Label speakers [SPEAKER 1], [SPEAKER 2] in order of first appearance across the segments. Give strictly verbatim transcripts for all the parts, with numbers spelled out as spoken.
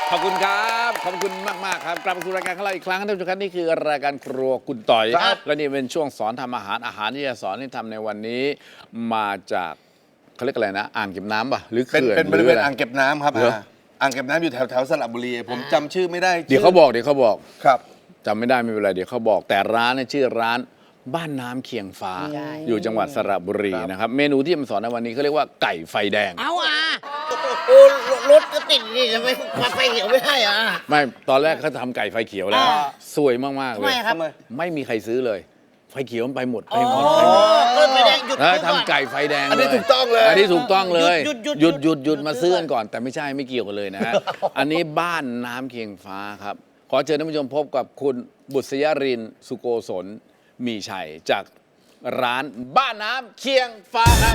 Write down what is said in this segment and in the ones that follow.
[SPEAKER 1] ขอบคุณครับขอบคุณมากมากๆครับกลับมาสู่รายการของเราอีกครั้งท่านผู้ชมครับนี่คือรายการครัวคุณต่อยและนี่เป็นช่วงสอนทำอาหารอาหารที่จะสอนให้ทำในวันนี้มาจากเขาเรียกอะไรนะอ่างเก็บน้ำป่ะหรือ
[SPEAKER 2] เป็น
[SPEAKER 1] เขื่อน
[SPEAKER 2] เป็นบริเวณ
[SPEAKER 1] หะ
[SPEAKER 2] อ่างเก็บน้ำครับ
[SPEAKER 1] เหรอ
[SPEAKER 2] อ่าอ่างเก็บน้ำอยู่แถวแถวสระบุรีผมจำชื่อไม่ได้
[SPEAKER 1] เดี๋ยวเขาบอกเดี๋ยวเขาบอก
[SPEAKER 2] ครับ
[SPEAKER 1] จำไม่ได้ไม่เป็นไรเดี๋ยวเขาบอกแต่ร้านเนี่ยชื่อร้านบ้านน้ำเคียงฟ้า อยู่จังหวัดสระบุรีนะครับเมนูที่จะมาสอนในวันนี้เขาเรียกว่าไก่ไฟแดง
[SPEAKER 3] เอาอ่ะโอ้รถก็ติดนี่ทำไมมาไฟเขียวไม่ได้อ่ะ
[SPEAKER 1] ไม่ตอนแรกเขาทำไก่ไฟเขียวแล้ว
[SPEAKER 3] อ่า
[SPEAKER 1] สวยมากๆ
[SPEAKER 3] ทำ
[SPEAKER 1] เล
[SPEAKER 3] ไม
[SPEAKER 1] ย
[SPEAKER 3] ครับ
[SPEAKER 1] ไม่มีใครซื้อเลย ไฟเขียวมันไปหมดไป
[SPEAKER 3] โอ้
[SPEAKER 1] หมดไปหมด
[SPEAKER 3] ก็ไฟแดงหยุด
[SPEAKER 1] แล้ว
[SPEAKER 3] ก่อน
[SPEAKER 1] ทำไก่ไฟแดง
[SPEAKER 2] อันนี้
[SPEAKER 1] เลย
[SPEAKER 2] ถูกต้องเลย
[SPEAKER 1] อันนี้ถูกต้องเลย
[SPEAKER 3] หยุดหยุด
[SPEAKER 1] หยุดหยุดหยุด
[SPEAKER 3] หยุด
[SPEAKER 1] มาซื้อกันก่อน แต่ไม่ใช่ไม่เกี่ยวกันเลยนะฮะ อันนี้บ้านน้ำเคียงฟ้าครับ ขอเชิญท่านผู้ชมพบกับคุณบุษยรินทร์สุโกศลมีชัยจากร้านบ้านน้ำเคียงฟ้าครับ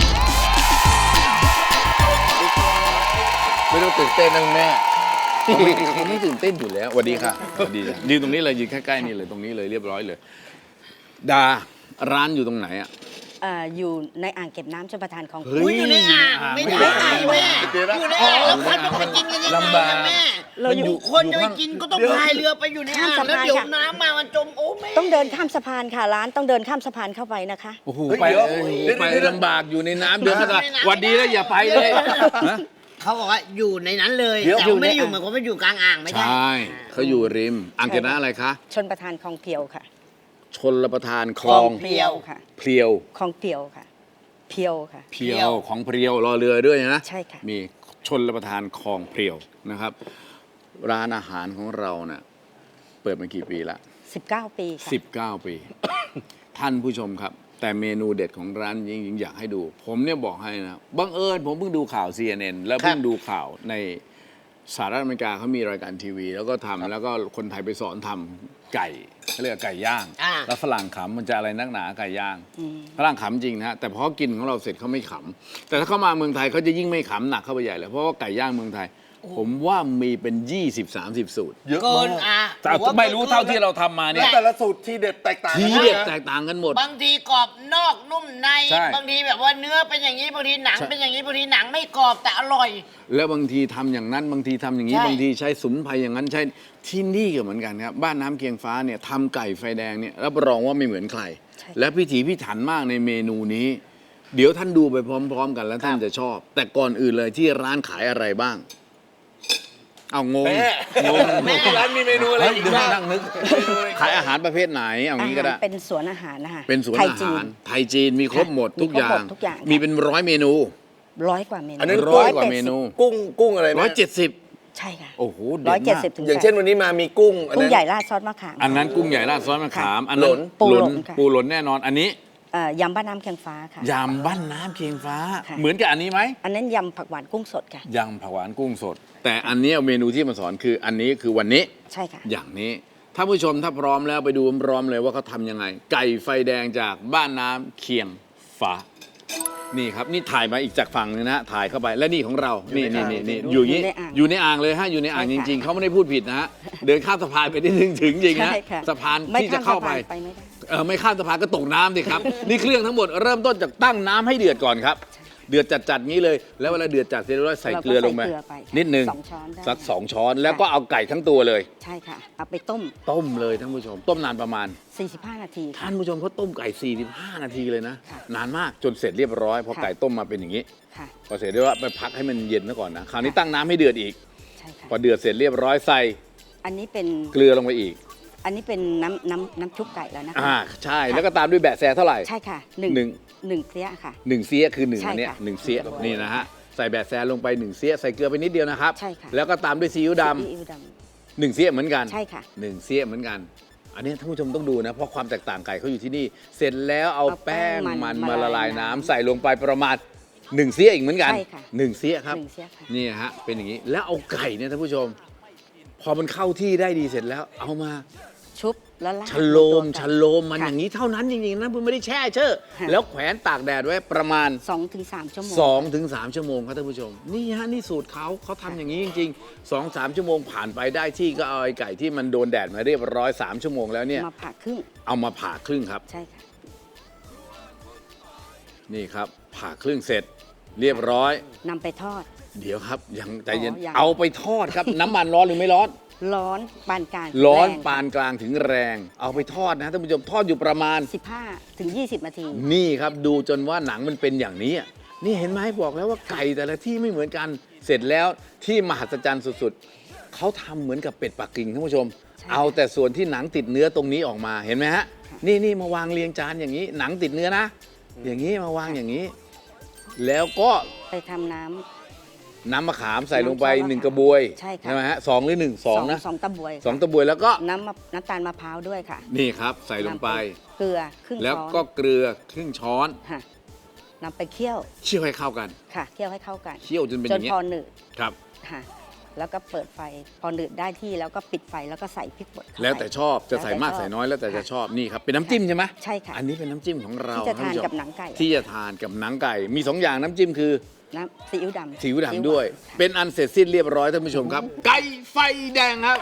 [SPEAKER 2] ไม่ต้องตื่นเต้นนะคุณแม่
[SPEAKER 1] เขาไม่เขาไม่ตื่นเต้นอยู่แล้วสวัสดีค่ะสวัสดีจ้ะยืนตรงนี้เลยยืนใกล้ๆนี่เลยตรงนี้เลยเรียบร้อยเลย ดาร้านอยู่ตรงไหนอ่ะ
[SPEAKER 4] เอ่ออยู่ในอ่างเก็บน้ำชลประทานของ
[SPEAKER 1] เฮ้
[SPEAKER 3] อุ้ยอยู่ในอ่างไม่ได้แม่อยู่ในอ่างแล้วคนจะไปกินกันยังไง
[SPEAKER 1] ลำบาก
[SPEAKER 3] อะแม่
[SPEAKER 4] เราอยู่
[SPEAKER 3] คนจะไปกินก็ต้องพายเรือไปอยู่ในอ่าง
[SPEAKER 4] ข้ามสะ
[SPEAKER 3] แล้ว
[SPEAKER 4] พาน
[SPEAKER 3] เดี๋ยว
[SPEAKER 4] ค่ะ
[SPEAKER 3] น้ำมามันจมโอ้แม่
[SPEAKER 4] ต้องเดินข้ามสะพานค่ะร้านต้องเดินข้ามสะพานเข้าไปนะคะ
[SPEAKER 1] โอ้โห
[SPEAKER 2] เฮ้ย
[SPEAKER 1] ไป
[SPEAKER 2] เดี๋ยว
[SPEAKER 1] เออ
[SPEAKER 2] เดี๋ยว
[SPEAKER 1] ไป
[SPEAKER 2] เดี๋ยว
[SPEAKER 1] ลำบากอยู่ในน้ำเดือดขนาดหวันดีแล้วอย่าไปเลยฮะ
[SPEAKER 3] เขาบอกว่าอยู่ในนั้นเลย
[SPEAKER 2] เดี๋ยว
[SPEAKER 3] แต่ว่าไม่ได้อยู่เหมือนกับว่าอยู่กลางอ่างไม่
[SPEAKER 1] ใช
[SPEAKER 3] ใช่
[SPEAKER 1] ่เขาอยู่ริมอ่างเก็บน้ำอะไรคะ
[SPEAKER 4] ชนประทานคลองเพียวค่ะ
[SPEAKER 1] ชนรับประทานคลอง
[SPEAKER 4] เพียวค่ะ
[SPEAKER 1] เพลียว
[SPEAKER 4] คลองเพียวค่ะ เพียวค่ะ
[SPEAKER 1] เพียวของเพลียวรอเรือด้วยนะ
[SPEAKER 4] ใช่ค่ะ
[SPEAKER 1] มีชนรับประทานคลองเพลียวนะครับ ร้านอาหารของเราเนะ่ะเปิดมากี่ปีละ
[SPEAKER 4] สิบเก้า ปีค่ะ
[SPEAKER 1] สิบเก้าปี ท่านผู้ชมครับ แต่เมนูเด็ดของร้านจริงๆอยากให้ดู ผมเนี่ยบอกให้นะบังเอิญผมเพิ่งดูข่าว ซี เอ็น เอ็น แล้วเพิ่งดูข่าวในสหรัฐอเมริกาเขามีรายการทีวี แล้วก็ทำแล้วก็คนไทยไปสอนทำไก่เขาเรียกว่าไก่ย่าง
[SPEAKER 3] อ่า
[SPEAKER 1] แล้วฝรั่งขำมันจะอะไรนักหนาไก่ย่างฝรั่งขำจริงนะฮะแต่พอกินของเราเสร็จเขาไม่ขำแต่ถ้าเขามาเมืองไทยเขาจะยิ่งไม่ขำหนักเข้าไปใหญ่เลยเพราะว่าไก่ย่างเมืองไทย ผมว่ามีเป็น ยี่สิบสามสิบ สูตร
[SPEAKER 2] เยอะ
[SPEAKER 3] เกิ
[SPEAKER 2] มาน ก
[SPEAKER 3] อ่ะ
[SPEAKER 1] แต่ไม่รู้เท่าที่เราทำมาเนี่
[SPEAKER 2] แล้
[SPEAKER 1] ยว
[SPEAKER 2] แต่ละสูตรที่เด็ดแตกต่าง
[SPEAKER 1] ที
[SPEAKER 2] กัน
[SPEAKER 1] เด็ด
[SPEAKER 2] นะ
[SPEAKER 1] แตกต่างกันหมด
[SPEAKER 3] บางทีกรอบนอกนุ่มใน
[SPEAKER 1] ใช่
[SPEAKER 3] บางทีแบบว่าเนื้อเป็นอย่างนี้บางทีหนัง
[SPEAKER 1] ใช่
[SPEAKER 3] เป็นอย่างนี้บางทีหนังไม่กรอบแต่อร่อย
[SPEAKER 1] แล้วบางทีทำอย่างนั้นบางทีทำอย่างนี้
[SPEAKER 3] ใช่
[SPEAKER 1] บางทีใช้สมุนไพรอย่างนั้นใช้ที่นี่ก็เหมือนกันครับบ้านน้ำเคียงฟ้าเนี่ยทำไก่ไฟแดงเนี่ยรับรองว่าไม่เหมือนใคร
[SPEAKER 4] ใช่
[SPEAKER 1] และพิถีพิถันมากในเมนูนี้ เดี๋ยวท่านดูไปพร้อม ๆ กันแล้วท่านจะชอบ แต่ก่อนอื่นเลยที่ร้านขายอะไรบ้าง เอางง
[SPEAKER 2] แม่
[SPEAKER 1] งง
[SPEAKER 3] แม่
[SPEAKER 2] ร้านมีเมนูอะไร
[SPEAKER 1] เฮ้ย
[SPEAKER 2] อีก
[SPEAKER 1] เดี๋ยว
[SPEAKER 2] บ้าง
[SPEAKER 1] นั่งนึกขายอาหารประเภทไหนเอา
[SPEAKER 4] อา
[SPEAKER 1] งี้ก็
[SPEAKER 4] หาร
[SPEAKER 1] ได้
[SPEAKER 4] เป็นสวนอาหารนะคะ
[SPEAKER 1] เป็นสวน
[SPEAKER 4] ไทย
[SPEAKER 1] อา
[SPEAKER 4] จี
[SPEAKER 1] หาน รไทยจีนมีครบหมด
[SPEAKER 4] ค่ะ
[SPEAKER 1] ทุกอย่าง
[SPEAKER 4] มีครบหมดทุกอย่างค่ะ
[SPEAKER 1] มีเป็นร้อยเมนู
[SPEAKER 4] ร้อยกว่าเมนู
[SPEAKER 2] อันนั้น
[SPEAKER 1] ร้อยกว่าเมนู
[SPEAKER 2] กุ้งกุ้งอะไรนะ
[SPEAKER 1] ร้อยเจ็ดสิบ
[SPEAKER 4] ใช่ค่ะ
[SPEAKER 1] โอ้โห
[SPEAKER 4] ร้อย
[SPEAKER 1] เด็
[SPEAKER 4] เจ็
[SPEAKER 1] ด
[SPEAKER 4] ด
[SPEAKER 1] มาก
[SPEAKER 4] สิบถึง
[SPEAKER 2] อย่างเช่นวันนี้มามีกุ้งอัน
[SPEAKER 4] กุ้ง
[SPEAKER 2] นั้น
[SPEAKER 4] ใหญ่ราดซอสมะขาม
[SPEAKER 1] อันนั้นกุ้งใหญ่ราดซอสมะขาม อันนั้น
[SPEAKER 2] หลน
[SPEAKER 4] ปูหลน
[SPEAKER 1] หลน
[SPEAKER 4] ค่ะ
[SPEAKER 1] ปูหลนแน่นอน อันนี้
[SPEAKER 4] เอ่อยำบ้านน้ำเคียงฟ้าค่ะ
[SPEAKER 1] ยำบ้านน้ำเคียงฟ้า
[SPEAKER 4] ค่ะ
[SPEAKER 1] เหมือนกับอันนี้ไหม
[SPEAKER 4] อันนั้นยำผักหวานกุ้งสดค่ะ
[SPEAKER 1] ยำผักหวานกุ้งสด แต่อันเนี้ยเมนูที่มาสอนคืออันนี้คือวันนี้
[SPEAKER 4] ใช่ค่ะ
[SPEAKER 1] อย่างนี้ถ้าผู้ชมถ้าพร้อมแล้วไปดูพร้อมเลยว่าเขาทำยังไง ไก่ไฟแดงจากบ้านน้ำเคียงฟ้า นี่ครับนี่ถ่ายมาอีกจากฝั่งนึงนะฮะถ่ายเข้าไปและนี่ของเรานี่นี่นี่นี่อยู่อย่างนี้
[SPEAKER 4] อยู่ในอ่าง
[SPEAKER 1] อยู่ในอ่างเลยฮะอยู่ในอ่างจ
[SPEAKER 4] ใช่ค่ะ
[SPEAKER 1] ริง ๆเขาไม่ได้พูดผิดนะฮะเดินข้ามสะพานไปได้ถึงถึงจริงนะ
[SPEAKER 4] ใช่ค่ะ
[SPEAKER 1] สะพาน
[SPEAKER 4] ไม่
[SPEAKER 1] ที่จะเข้าไป
[SPEAKER 4] ข้มสะพนไปไม่ได้
[SPEAKER 1] เออไม่ข้ามสะพานก็ตกน้ำสิครับ นี่เครื่องทั้งหมดเริ่มต้นจากตั้งน้ำให้เดือดก่อนครับ เดือดจัดๆงี้เลย แล้วเวลาเดือดจัดเสร็จแล้วใส่เกลือลงไป
[SPEAKER 4] เราก็ใส่เกลือไปค่ะ
[SPEAKER 1] นิดนึง
[SPEAKER 4] สองช้อนได้
[SPEAKER 1] สักสองช้อนแล้วก็เอาไก่ทั้งตัวเลย
[SPEAKER 4] ใช่ค่ะ เอาไปต้ม
[SPEAKER 1] ต้มเลยท่านผู้ชม ต้มนานประมาณ
[SPEAKER 4] สี่สิบห้า นาทีค่ะ
[SPEAKER 1] ท่านผู้ชมเขาต้มไก่สี่สิบห้านาทีเลยนะ
[SPEAKER 4] ค่ะ
[SPEAKER 1] นานมากจนเสร็จเรียบร้อยพอ
[SPEAKER 4] ค่ะ
[SPEAKER 1] ไก่ต้มมาเป็นอย่างนี้
[SPEAKER 4] ค่ะ
[SPEAKER 1] พอเสร็จเรียบร้อยไปพักให้มันเย็นซะก่อนนะคราวนี้
[SPEAKER 4] ค่ะ
[SPEAKER 1] ตั้งน้ำให้เดือดอีก
[SPEAKER 4] ใช่ค่ะ
[SPEAKER 1] พอเดือดเสร็จเรียบร้อยใส่
[SPEAKER 4] อันนี้เป็น
[SPEAKER 1] เกลือลงไปอีก
[SPEAKER 4] อันนี้เป็นน้ำน้ำน้ำชุบไก่แล้วนะคะ
[SPEAKER 1] อ่าใช่แล้วก็ตามด้วยแบะแซเท่าไหร่
[SPEAKER 4] ใช่ค่ะหนึ่ง
[SPEAKER 1] หนึ่ง
[SPEAKER 4] หนึ่งเสี้ยค่ะ
[SPEAKER 1] หนึ่งเสียคือหนึ่ง
[SPEAKER 4] ใช่
[SPEAKER 1] อันเนี้ย
[SPEAKER 4] ค่ะ
[SPEAKER 1] หนึ่งเสียนี่นะฮะใส่แบะแซลงไปหนึ่งเสียใส่เกลือไปนิดเดียวนะครับ
[SPEAKER 4] ใช่ค่ะ
[SPEAKER 1] แล้วก็ตามด้วยซีอิ๊วด
[SPEAKER 4] ซีอิ๊วด
[SPEAKER 1] ำหนึ่งเสียเหมือนกัน
[SPEAKER 4] ำใช่ค่ะ
[SPEAKER 1] หนึ่งเสียเหมือนกัน อันนี้ท่านผู้ชมต้องดูนะเพราะความแตกต่างไก่เขาอยู่ที่นี่ เสร็จแล้วเอา
[SPEAKER 4] เอาแป้
[SPEAKER 1] แป้ง
[SPEAKER 4] งมัน
[SPEAKER 1] มัน
[SPEAKER 4] มา
[SPEAKER 1] มาละลาย
[SPEAKER 4] ละลาย
[SPEAKER 1] น้ำ
[SPEAKER 4] น้ำ
[SPEAKER 1] ใส่ลงไปประมาณหนึ่งเสียอีกเหมือนกัน
[SPEAKER 4] ใช่ค่ะ
[SPEAKER 1] หนึ่งเสียครับ
[SPEAKER 4] หนึ่งเสี้ยค่ะ
[SPEAKER 1] นี่ฮะเป็นอย่างนี้แล้วเอาไก่เนี่ยท่านผู้ชม พอมันเข้าที่ได้ดีเสร็จแล้วเอามา
[SPEAKER 4] ชุบแล้วราด
[SPEAKER 1] ชะโลม
[SPEAKER 4] บนตัวไก่
[SPEAKER 1] ชะโลมมัน
[SPEAKER 4] ค่ะ
[SPEAKER 1] อย่างนี้เท่านั้นจริงๆนะเพื่อไม่ได้แช่เชอะ
[SPEAKER 4] ค่ะ
[SPEAKER 1] แล้วแขวนตากแดดไว้ประมาณ
[SPEAKER 4] สองถึงสามชั่วโมง
[SPEAKER 1] สองถึงสามชั่วโมงครับท่านผู้ชม นี่ฮะนี่สูตรเขาเขาทำอย่างนี้จริงๆสองสามชั่วโมงผ่านไปได้ที่ก็เอาไอ้ไก่ที่มันโดนแดดมาเรียบร้อยสามชั่วโมงแล้วเนี่ย
[SPEAKER 4] มาผ่าครึ่ง
[SPEAKER 1] เอามาผ่าครึ่งครับ
[SPEAKER 4] ใช่ค่ะ
[SPEAKER 1] นี่ครับผ่าครึ่งเสร็จเรียบร้อย
[SPEAKER 4] นำไปทอด
[SPEAKER 1] เดี๋ยวครับยังใจเย็น
[SPEAKER 4] อ๋อยัง
[SPEAKER 1] เอาไปทอดครับ น้ำมันร้อนหรือไม่ร้อน
[SPEAKER 4] ร้อนปานกลาง
[SPEAKER 1] ร้อน
[SPEAKER 4] แง
[SPEAKER 1] ปานกลางถึงแรง เอาไปทอดนะท่านผู้ชมทอดอยู่ประมาณ
[SPEAKER 4] สิบห้าถึงยี่สิบนาที
[SPEAKER 1] นี่ครับดูจนว่าหนังมันเป็นอย่างนี้อะนี่เห็นไหมบอกแล้วว่าไก่แต่ละที่ไม่เหมือนกัน เสร็จแล้วที่มหัศจรรย์สุดๆเขาทำเหมือนกับเป็ดปักกิ่งท่านผู้ชม
[SPEAKER 4] ใช่
[SPEAKER 1] เอาแต่ส่วนที่หนังติดเนื้อตรงนี้ออกมาเห็นไหมฮะนี่นี่มาวางเรียงจานอย่างนี้ หนังติดเนื้อนะ อย่างนี้มาวางอย่างนี้ แล้วก็
[SPEAKER 4] ไปทำน้
[SPEAKER 1] น้ำมะขามใส่ลงไป
[SPEAKER 4] น้ำซอสมะขาม
[SPEAKER 1] หนึ่งกระบวย
[SPEAKER 4] ใช่ค่ะ
[SPEAKER 1] ไหมฮะสองหรือหนึ่ง
[SPEAKER 4] ำ
[SPEAKER 1] สองนะ
[SPEAKER 4] สองตะบวย
[SPEAKER 1] สองตะบวยแล้วก็
[SPEAKER 4] น้ำมะน้ำตาลมะพร้าวด้วยค่ะ
[SPEAKER 1] นี่ครับใส่ลงไป
[SPEAKER 4] นำเกลือครึ่ง
[SPEAKER 1] แล้ว
[SPEAKER 4] ช้อน
[SPEAKER 1] ก็เกลือครึ่งช้อน
[SPEAKER 4] ค่ะนำไปเคี่ยว
[SPEAKER 1] เคี่ยวให้เข้ากัน
[SPEAKER 4] ค่ะเคี่ยวให้เข้ากัน
[SPEAKER 1] เคี่ยวจนเป็นอ
[SPEAKER 4] จ
[SPEAKER 1] ย่าน งนี้
[SPEAKER 4] พอหนืด
[SPEAKER 1] ครับ
[SPEAKER 4] ค่ะแล้วก็เปิดไฟพอหนืดได้ที่แล้วก็ปิดไฟแล้วก็ใส่พริกป่นเข้าไป
[SPEAKER 1] แล้วแต่ชอบจะใส่มาก
[SPEAKER 4] แล้วแต่ชอบ
[SPEAKER 1] ใส่น้อยแล้วแต่จะ
[SPEAKER 4] ค่ะ
[SPEAKER 1] ชอบนี่ครับเป็นน้ำจิ้มใช่ไหม
[SPEAKER 4] ใช่ค่ะ
[SPEAKER 1] อันนี้เป็นน้ำจิ้มของเรา
[SPEAKER 4] ที่จะทาน
[SPEAKER 1] ท่ผู้ชม
[SPEAKER 4] กับหนังไก่
[SPEAKER 1] ที่จะทานกับหนังไก่ มีสองอย่างน้ำจิ้มคือ
[SPEAKER 4] น้ำซีอิ๊วดำ
[SPEAKER 1] ซีอิ๊วดำด้วย
[SPEAKER 4] ซีอิ๊
[SPEAKER 1] เป็นอันเสร็จสิ้นเรียบร้อยท่านผู้ชมครับ ไก่ไฟแดงครับ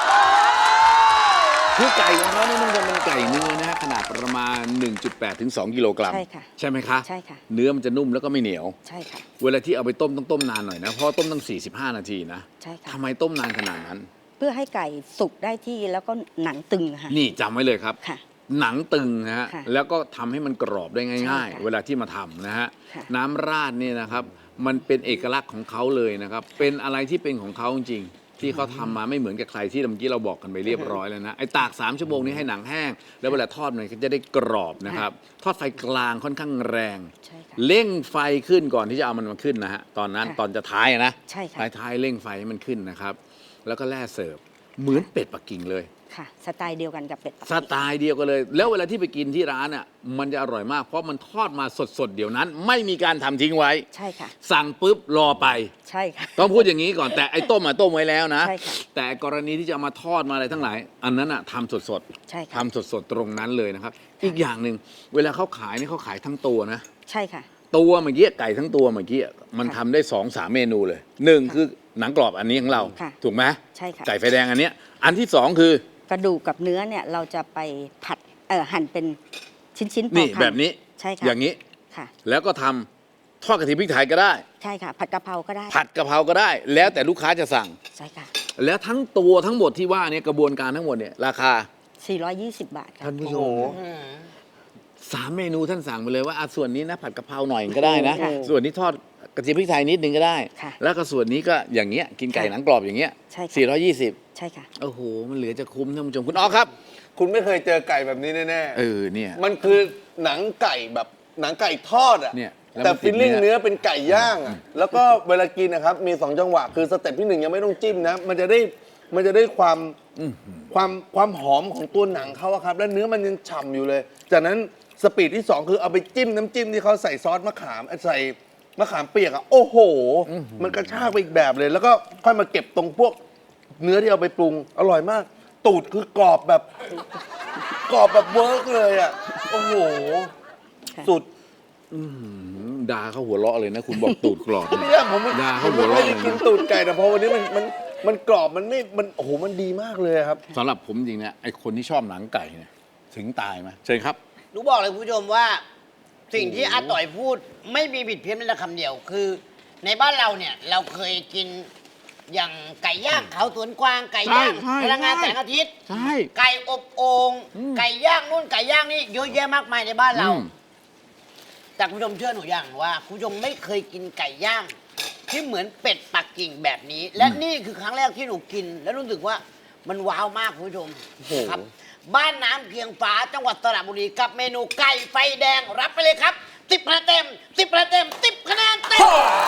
[SPEAKER 1] คือไก่ของเขาเนี่ยมันจะเป็นไก่เนื้อนะฮะขนาดประมาณ หนึ่งจุดแปด ถึง สอง กิโลกรัม
[SPEAKER 4] ใช่ค่ะ
[SPEAKER 1] ใช่ไหมคะ
[SPEAKER 4] ใช่ค่ะ
[SPEAKER 1] เนื้อมันจะนุ่มแล้วก็ไม่เหนียว
[SPEAKER 4] ใช่ค่ะ
[SPEAKER 1] เวลาที่เอาไปต้มต้องต้มนานหน่อยนะเพราะต้มตั้งสี่สิบห้านาทีนะ
[SPEAKER 4] ใช่ค่ะ
[SPEAKER 1] ทำไมต้มนานขนาดนั้น
[SPEAKER 4] เพื่อให้ไก่สุกได้ที่แล้วก็หนังตึงค่ะ
[SPEAKER 1] นี่จำไว้เลยครับ
[SPEAKER 4] ค่ะ
[SPEAKER 1] หนังตึงนะฮะ
[SPEAKER 4] ค่ะ
[SPEAKER 1] แล้วก็ทำให้มันกรอบได้
[SPEAKER 4] ใช่
[SPEAKER 1] ง่าย
[SPEAKER 4] ค่ะ
[SPEAKER 1] ๆ เวลาที่มาทำนะฮะ
[SPEAKER 4] ค่ะ
[SPEAKER 1] น้ำราดเนี่ยนะครับมันเป็นเอกลักษณ์ของเขาเลยนะครับ เป็นอะไรที่เป็นของเขาจริงๆที่เขาทำมาไม่เหมือนกับใครที่เมื่อกี้เราบอกกันไปเรียบร้อยแล้วนะไอ้ตากสามชั่วโมงนี้ให้หนังแห้ง แล้วเวลาทอดมันก็จะได้กรอบนะครับทอดไฟกลางค่อนข้างแรง
[SPEAKER 4] ใช่ค่ะ
[SPEAKER 1] เร่งไฟขึ้นก่อนที่จะเอามันมาขึ้นนะฮะตอนนั้น
[SPEAKER 4] ค่ะ
[SPEAKER 1] ตอนจะท้ายอะนะ
[SPEAKER 4] ใช่ค่ะ
[SPEAKER 1] ท้ายท้ายๆเร่งไฟให้มันขึ้นนะครับแล้วก็แล่เสิร์ฟเหมือนเป็ดปักกิ่งเลย
[SPEAKER 4] ค่ะ สไตล์เดียวกันกับเป็ดปัก
[SPEAKER 1] ส
[SPEAKER 4] กิ่ง
[SPEAKER 1] ไตล์เดียวกันเลย แล้วเวลาที่ไปกินที่ร้านอ่ะมันจะอร่อยมาก เพราะมันทอดมาสดๆ เดี๋ยวนั้น ไม่มีการทำทิ้งไว้
[SPEAKER 4] ใช่ค่ะ
[SPEAKER 1] สั่งปุ๊บรอไป
[SPEAKER 4] ใช่ค่ะ
[SPEAKER 1] ต้องพูดอย่างนี้ก่อนแต่ไอ้ต้มอ่ะต้มไว้แล้วนะ
[SPEAKER 4] ใช่ค่ะ
[SPEAKER 1] แต่กรณีที่จะเอามาทอดมาอะไรทั้งหลาย อันนั้นอ่ะทำสด
[SPEAKER 4] ใช่
[SPEAKER 1] ๆ
[SPEAKER 4] ค่ะ
[SPEAKER 1] ทำสดๆ ตรงนั้นเลยนะครับ อีกอย่างหนึ่งเวลาเขาขายนี่เขาขายทั้งตัวนะ
[SPEAKER 4] ใช่ค่ะ
[SPEAKER 1] ตัวเมื่อกี้ไก่ทั้งตัวเมื่อกี้มันทำได้สองสามเมนูเลยหนึ่งคือหนังกรอบอันนี้ของเรา
[SPEAKER 4] ค่ะ
[SPEAKER 1] ถูกไหม
[SPEAKER 4] ใช่ค่ะ
[SPEAKER 1] ไก่ไฟแดงอันเนี้ยอันที่สองคือ
[SPEAKER 4] กระดูกกับเนื้อเนี่ยเราจะไปผัดเอ่อหั่นเป็นชิ้นๆพอ
[SPEAKER 1] นี่
[SPEAKER 4] คำ
[SPEAKER 1] แบบนี้
[SPEAKER 4] ใช่ค่ะ
[SPEAKER 1] อย่างนี้
[SPEAKER 4] ค่ะ
[SPEAKER 1] แล้วก็ทำทอดกระเทียมพริกไทยก็ได้
[SPEAKER 4] ใช่ค่ะ ผัดกะเพราก็ได้
[SPEAKER 1] ผัดกะเพราก็ได้ แล้วแต่ลูกค้าจะสั่ง
[SPEAKER 4] ใช่ค่ะ
[SPEAKER 1] แล้วทั้งตัวทั้งหมดที่ว่าเนี่ยกระบวนการทั้งหมดเนี่ยราคา
[SPEAKER 4] สี่ร้อยยี่สิบบาทค่ะ
[SPEAKER 1] ท่านผู้ช
[SPEAKER 2] โอ้
[SPEAKER 1] ม
[SPEAKER 2] โห
[SPEAKER 1] สามเมนูท่านสั่งไปเลยว่าอ่ะส่วนนี้นะผัดกะเพราหน่อยก็ได้นะ
[SPEAKER 4] ค่ะ
[SPEAKER 1] ส่วนนี้ทอดกระเทียมพริกไทยนิดนึงก็ได้
[SPEAKER 4] ค่ะ
[SPEAKER 1] แล้วก็ส่วนนี้ก็อย่างเงี้ยกินไก่
[SPEAKER 4] ค่ะ
[SPEAKER 1] หนังกรอบอย่างเงี้ย
[SPEAKER 4] ใช่ค่ะ
[SPEAKER 1] สี่ร้อยยี่สิบ
[SPEAKER 4] ใช่ค่ะ
[SPEAKER 1] โอ้โหมันเหลือจะคุ้มท่านผู้ชมคุณอ๋อครับ
[SPEAKER 2] คุณไม่เคยเจอไก่แบบนี้แน่
[SPEAKER 1] เออเนี่ย
[SPEAKER 2] ๆมันคือหนังไก่แบบหนังไก่ทอดอ่ะ
[SPEAKER 1] เนี่ยแล้ว
[SPEAKER 2] แต่
[SPEAKER 1] มันติ
[SPEAKER 2] ฟิ
[SPEAKER 1] ด
[SPEAKER 2] ลลิ่ง
[SPEAKER 1] เนื้อ
[SPEAKER 2] เนื้อเป็นไก่ย่างอ่ะแล้วก็เวลากินนะครับมีสองจังหวะคือสเต็ปที่หนึ่งยังไม่ต้องจิ้มนะ มันจะได้มันจะได้ความความความหอมของตัวหนังเขาอะครับแล้วเนื้อมันยังฉ่ำอยู่เลย จากนั้นสปีดที่สองคือเอาไปจิ้มน้ำจิ้มที่เขาใส่ซอสมะขามใส่มะขามเปียกอะโอ้โห มันกระชากไปอีกแบบเลย แล้วก็ค่อยมาเก็บตรงพวกเนื้อที่เอาไปปรุงอร่อยมาก ตูดคือกรอบแบบกรอบแบบเวิร์กเลยอะโอ้โห สุด
[SPEAKER 1] ด่าเขาหัวเราะเลยนะ คุณบอกตูดกรอบเนี่ย
[SPEAKER 2] ไม่ได้ผมไม่
[SPEAKER 1] ด่า
[SPEAKER 2] ผ
[SPEAKER 1] เขา
[SPEAKER 2] ม
[SPEAKER 1] หัว
[SPEAKER 2] ไม่
[SPEAKER 1] เราะ
[SPEAKER 2] ได้
[SPEAKER 1] เลย
[SPEAKER 2] กิน
[SPEAKER 1] นะ
[SPEAKER 2] ตูดไก่แต่พอวันนี้มันมันมันกรอบมันไม่มันโอ้โหมันดีมากเลยครับ
[SPEAKER 1] สำหรับผมจริงเนี่ยไอคนที่ชอบหนังไก่เนี่ยถึงตายไหมเชิญครับ
[SPEAKER 3] หนูบอกเลยคุณผู้ชมว่า สิ่งที่อาต่อยพูดไม่มีผิดเพี้ยนแม้แต่คำเดียว คือ ในบ้านเราเนี่ยเราเคยกินอย่างไก่ย่างเขาสวนกวางไก่ย่าง
[SPEAKER 1] ใช่
[SPEAKER 3] พลังงาน
[SPEAKER 1] ใช่
[SPEAKER 3] แสงอาทิตย์
[SPEAKER 1] ใช่
[SPEAKER 3] ไก่อบโอ่งไก่ย่างนู่นไก่ย่างนี่เยอะแยะมากมายในบ้านเรา
[SPEAKER 1] อืม
[SPEAKER 3] แต่คุณผู้ชมเชื่อหนูอย่างว่าคุณผู้ชมไม่เคยกินไก่ย่าง ที่เหมือนเป็ดปักกิ่งแบบนี้ และนี่คือครั้งแรกที่หนูกิน แล้วรู้สึกว่ามันว้าวมากคุณผู้ชมครับ บ้านน้ำเพียงฟ้าจังหวัดสระบุรีกับเมนูไก่ไฟแดงรับไปเลยครับสิบคะแนนเต็มสิบคะแนนเต็มสิบคะแนนเต็ม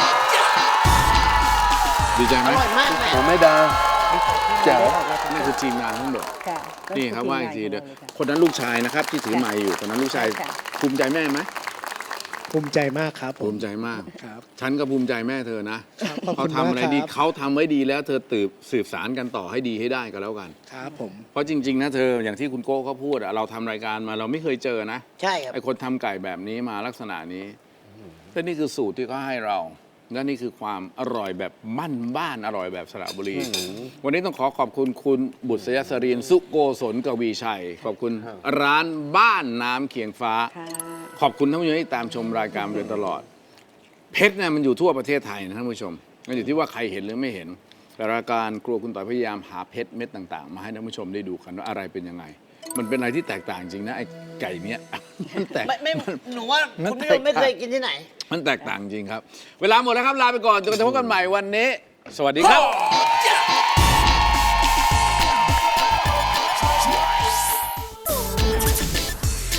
[SPEAKER 1] ดีใจไห
[SPEAKER 3] อ
[SPEAKER 1] ม
[SPEAKER 3] ร่อยมากเลย
[SPEAKER 2] ผมไม่ดา แจ๋ว
[SPEAKER 1] นี่คือทีมงานทั้งหมด
[SPEAKER 4] ค่ะ
[SPEAKER 1] นี่ครับว่าอีกทีเดียว
[SPEAKER 4] ก็คือทีมงานของเราเลยค่ะ
[SPEAKER 1] คนนั้นลูกชายนะครับ ที่ถือไม้อยู่คนนั้นลูกชาย
[SPEAKER 4] ค่ะ
[SPEAKER 1] ภูมิใจแม่ไหม
[SPEAKER 5] ภูมิใจมากครับผ
[SPEAKER 1] ภู
[SPEAKER 5] ม
[SPEAKER 1] มิใจมาก
[SPEAKER 5] ครับ
[SPEAKER 1] ฉันก็ภูมิใจแม่เธอนะครับ
[SPEAKER 5] ขอบ
[SPEAKER 1] เขา
[SPEAKER 5] คุณ
[SPEAKER 1] ทำอะไร
[SPEAKER 5] มาก
[SPEAKER 1] ดี
[SPEAKER 5] ครับ
[SPEAKER 1] เขาทำไว้ดีแล้วเธอตืบสืบสารกันต่อให้ดีให้ได้ก็แล้วกัน
[SPEAKER 5] ครับผม
[SPEAKER 1] เพราะจริง ๆ นะเธออย่างที่คุณโก้เขาพูดอะเราทำรายการมาเราไม่เคยเจอนะ
[SPEAKER 3] ใช่ครับ
[SPEAKER 1] ไอคนทำไก่แบบนี้มาลักษณะนี้และนี่คือสูตรที่เขาให้เรา และนี่คือความอร่อยแบบมั่นบ้านอร่อยแบบสระบุรี วันนี้ต้องขอขอบคุณคุณบุษยสรินสุโกศลกวีชัย ขอบคุณร้านบ้านน้ำเคียงฟ้า
[SPEAKER 4] ค่ะ
[SPEAKER 1] ขอบคุณท่านผู้ชมที่ตามชมรายการมาโดยตลอด เพชรเนี่ยมันอยู่ทั่วประเทศไทยนะท่านผู้ชมมันอยู่ที่ว่าใครเห็นหรือไม่เห็นแต่รายการครัวคุณต่อยพยายามหาเพชรเม็ดต่างๆ มาให้ท่านผู้ชมได้ดูกันว่าอะไรเป็นยังไง มันเป็นอะไรที่แตกต่างจริงนะไอ้ไก่เนี้ย มันแตก
[SPEAKER 3] ไม่ไม่หนูว่า
[SPEAKER 1] มัน
[SPEAKER 3] คุณผู้ชมไม่เคยกินที่ไหน
[SPEAKER 1] มันแตกต่างจริงครับ เวลาหมดแล้วครับลาไปก่อนจนกระทั่งพบกันใหม่วันนี้ สวัสดีครับ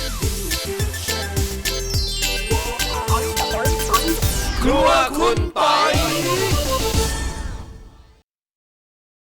[SPEAKER 1] ครัวคุณปอย